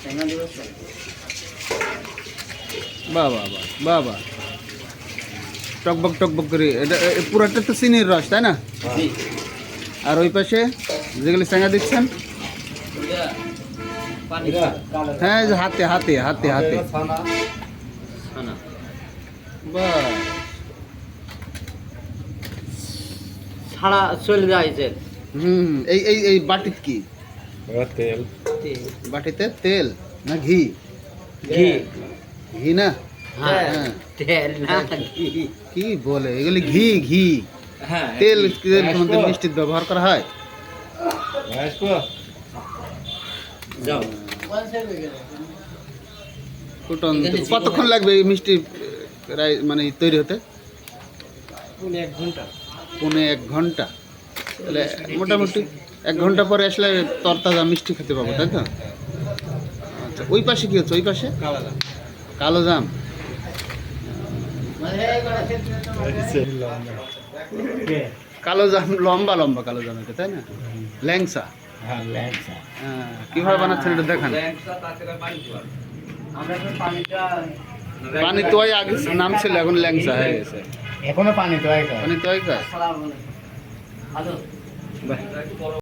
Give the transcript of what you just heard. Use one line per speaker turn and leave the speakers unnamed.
বাহ বাহ বাহ বাহ বাহ, টকবক টকবক করে। এটা পুরাটা তো চিনির রস, তাই না? আর ওই পাশে যেগুলি চেঙ্গা দিচ্ছেন, হ্যাঁ, এই যে হাতে হাতে হাতে হাতে, বাহ,
ছাড়া চলে যাইছে।
হুম। এই এই এই বাটিত কি?
তেল।
বাটিতে তেল না ঘি?
ঘি।
ঘি না?
হ্যাঁ,
হ্যাঁ।
তেল না ঘি।
কি বলে এগুলি? ঘি ঘি।
হ্যাঁ,
তেল মধ্যে মিষ্টির ব্যবহার করা হয়।
যাও।
ফুটন কতক্ষণ লাগবে এই মিষ্টি মানে তৈরি হতে?
1 ঘন্টা।
1 ঘন্টা। তাহলে মোটামুটি 1 ঘন্টা পরে আসলে তরতাজা মিষ্টি খেতে পাবো, তাই তো? আচ্ছা, ওই পাশে কি হচ্ছে? ওই পাশে কালো জাম। কালো জাম লম্বা লম্বা কালো জাম, এটা তাই না? ল্যাংসা।
হ্যাঁ,
হ্যাঁ, কিভাবে বানাচ্ছেন এটা দেখান। পানি তোয়াই আগে নাম ছিল, এখন ল্যাংসা হয়ে গেছে।
এখনো পানি তো
পানি তোয়াই কাজ।
হ্যালো।
বাহ।